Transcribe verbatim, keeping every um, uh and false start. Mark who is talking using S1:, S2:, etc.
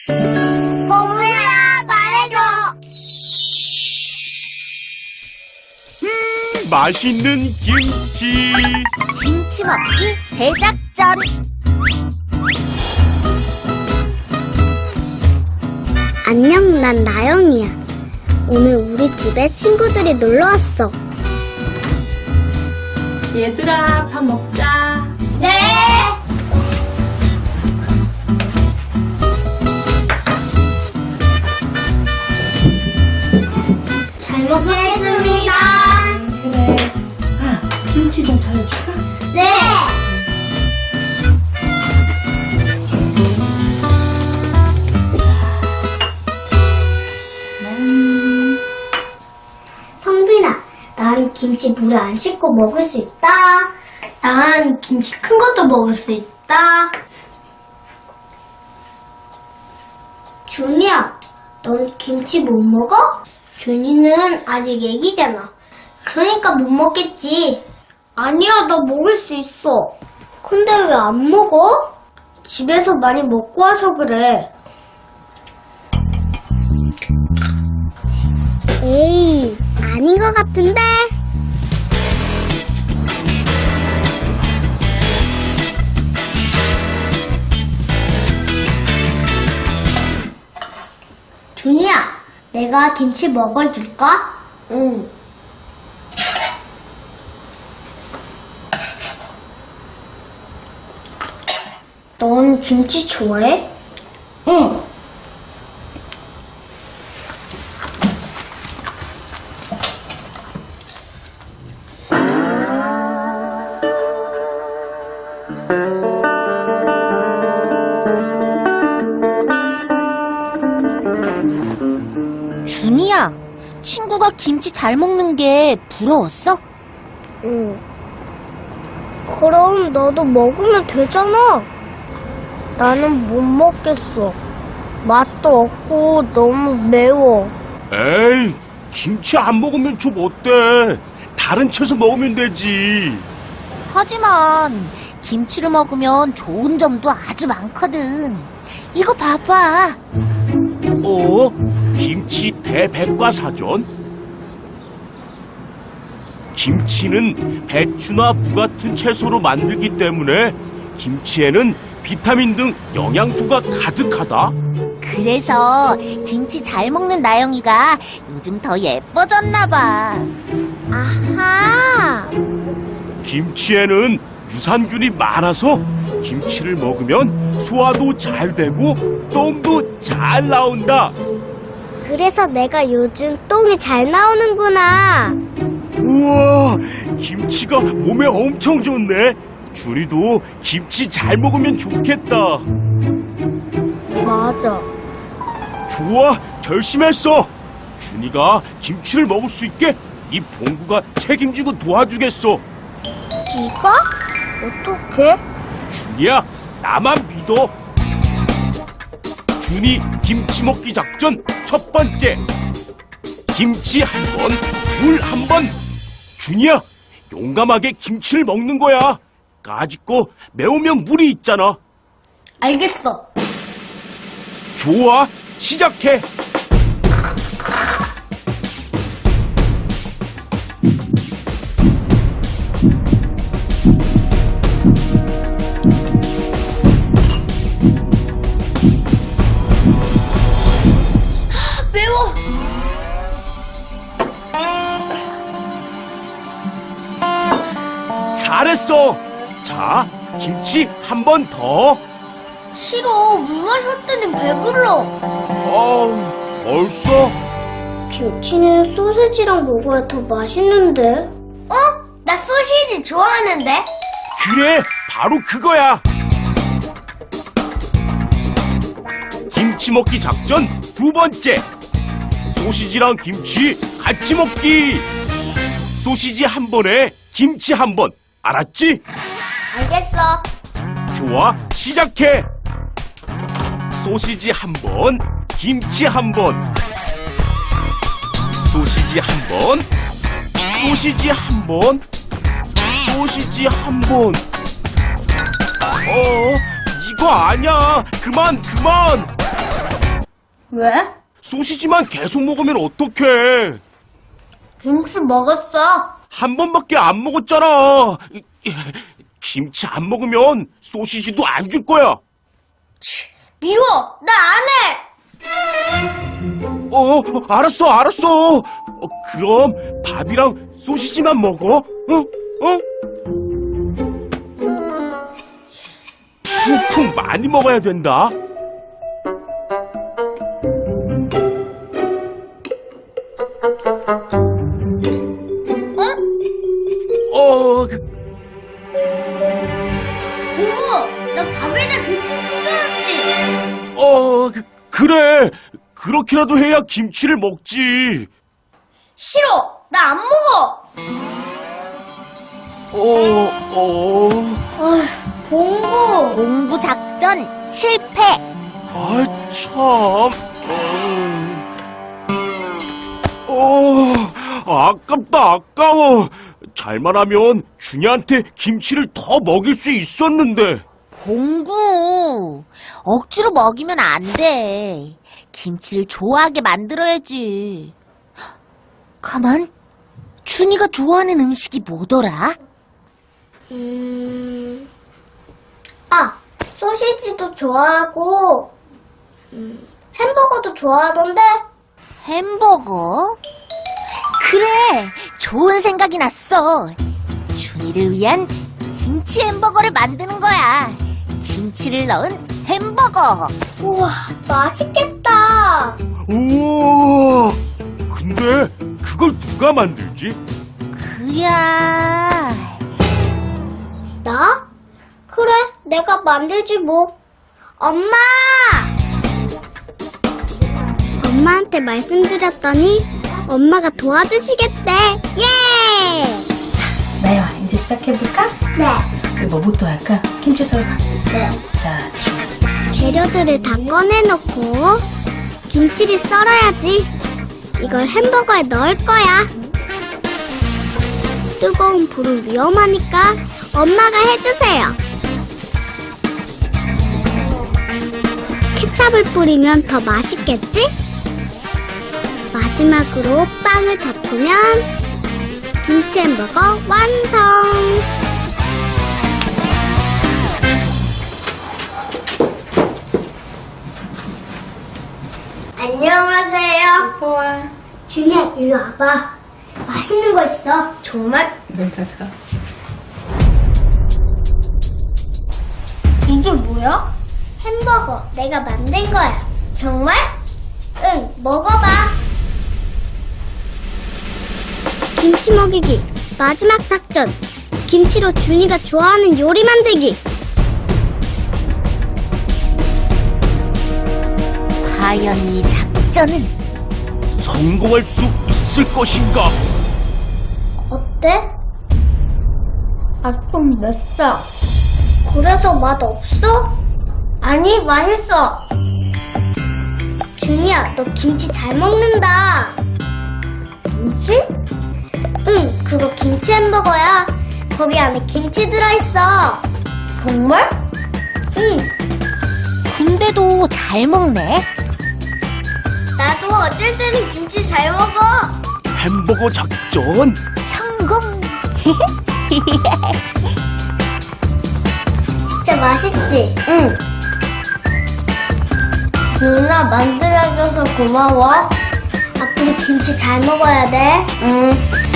S1: 봉우야, 말해줘.
S2: 음, 맛있는 김치.
S3: 김치 먹기 대작전.
S1: 안녕, 난 나영이야. 오늘 우리 집에 친구들이 놀러 왔어.
S4: 얘들아, 밥 먹자.
S1: 네. 잘 먹겠습니다.
S4: 그래. 아, 김치 좀 잘라줄까?
S1: 네.
S4: 음.
S1: 성빈아, 난 김치 물에 안 씻고 먹을 수 있다. 난 김치 큰 것도 먹을 수 있다. 준이야, 넌 김치 못 먹어? 준이는 아직 애기잖아. 그러니까 못 먹겠지. 아니야, 나 먹을 수 있어. 근데 왜 안 먹어? 집에서 많이 먹고 와서 그래. 에이, 아닌 것 같은데? 준이야, 내가 김치 먹어줄까? 응. 넌 김치 좋아해? 응.
S3: 준이야, 친구가 김치 잘 먹는 게 부러웠어?
S1: 응. 그럼 너도 먹으면 되잖아. 나는 못 먹겠어. 맛도 없고 너무 매워.
S2: 에이, 김치 안 먹으면 좀 어때? 다른 채소 먹으면 되지.
S3: 하지만 김치를 먹으면 좋은 점도 아주 많거든. 이거 봐봐.
S2: 어? 김치 대백과사전? 김치는 배추나 무 같은 채소로 만들기 때문에 김치에는 비타민 등 영양소가 가득하다.
S3: 그래서 김치 잘 먹는 나영이가 요즘 더 예뻐졌나 봐.
S1: 아하.
S2: 김치에는 유산균이 많아서 김치를 먹으면 소화도 잘 되고 똥도 잘 나온다.
S1: 그래서 내가 요즘 똥이 잘 나오는구나.
S2: 우와, 김치가 몸에 엄청 좋네. 준이도 김치 잘 먹으면 좋겠다.
S1: 맞아.
S2: 좋아, 결심했어. 준이가 김치를 먹을 수 있게 이 봉구가 책임지고 도와주겠어.
S1: 네가? 어떻게?
S2: 준이야, 나만 믿어. 준이 김치 먹기 작전 첫 번째. 김치 한 번, 물 한 번. 준이야, 용감하게 김치를 먹는 거야. 까짓거 매우면 물이 있잖아.
S1: 알겠어.
S2: 좋아, 시작해.
S1: 매워.
S2: 잘했어. 자, 김치 한 번 더.
S1: 싫어. 물 마셨더니 배불러.
S2: 어우, 벌써?
S1: 김치는 소세지랑 먹어야 더 맛있는데. 어? 나 소시지 좋아하는데.
S2: 그래, 바로 그거야. 김치 먹기 작전 두 번째. 소시지랑 김치 같이 먹기. 소시지 한 번에 김치 한 번. 알았지?
S1: 알겠어.
S2: 좋아, 시작해. 소시지 한 번, 김치 한 번. 소시지 한 번, 소시지 한 번, 소시지 한 번. 어, 이거 아니야. 그만, 그만.
S1: 왜?
S2: 소시지만 계속 먹으면 어떡해.
S1: 김치 먹었어.
S2: 한 번밖에 안 먹었잖아. 김치 안 먹으면 소시지도 안 줄 거야.
S1: 미워. 나 안 해.
S2: 어, 알았어, 알았어. 어, 그럼 밥이랑 소시지만 먹어. 어? 어? 푹푹 많이 먹어야 된다. 어, 그,
S1: 보고, 나 밥에다 김치 숨겨놨지.
S2: 어, 그, 그래. 그렇게라도 해야 김치를 먹지.
S1: 싫어. 나 안 먹어.
S2: 어, 어.
S1: 어휴, 봉구.
S3: 공부 작전 실패.
S2: 아, 참. 어, 어, 아깝다, 아까워. 잘만 하면 준이한테 김치를 더 먹일 수 있었는데.
S3: 공구, 억지로 먹이면 안 돼. 김치를 좋아하게 만들어야지. 가만, 준이가 좋아하는 음식이 뭐더라?
S1: 음, 아, 소시지도 좋아하고, 음, 햄버거도 좋아하던데?
S3: 햄버거? 그래, 좋은 생각이 났어. 준이를 위한 김치 햄버거를 만드는 거야. 김치를 넣은 햄버거.
S1: 우와, 맛있겠다.
S2: 우와! 근데 그걸 누가 만들지?
S3: 그야.
S1: 나? 그래, 내가 만들지 뭐. 엄마! 엄마한테 말씀드렸더니 엄마가 도와주시겠대. 예!
S4: 나영아, 이제 시작해볼까?
S1: 네.
S4: 뭐부터 할까? 김치 썰까?
S1: 네.
S4: 자,
S1: 재료들을 다 꺼내놓고 김치를 썰어야지. 이걸 햄버거에 넣을 거야. 뜨거운 불은 위험하니까 엄마가 해주세요. 케찹을 뿌리면 더 맛있겠지? 마지막으로 빵을 덮으면 김치 햄버거 완성! 안녕하세요.
S4: 어서와.
S1: 준이야, 이리 와봐. 맛있는 거 있어. 정말?
S4: 여기다가.
S1: 이게 뭐야? 햄버거. 내가 만든 거야. 정말? 응, 먹어봐. 김치 먹이기. 마지막 작전. 김치로 준이가 좋아하는 요리 만들기.
S3: 과연 이 작전은?
S2: 성공할 수 있을 것인가?
S1: 어때? 아, 좀 맵다. 그래서 맛 없어? 아니, 맛있어. 준이야, 너 김치 잘 먹는다. 뭐지? 응, 그거 김치 햄버거야. 거기 안에 김치 들어있어. 정말? 응,
S3: 근데도 잘 먹네.
S1: 나도 어쩔 때는 김치 잘 먹어.
S2: 햄버거 작전?
S3: 성공.
S1: 진짜 맛있지? 응. 누나 만들어줘서 고마워. 앞으로 김치 잘 먹어야 돼. 응.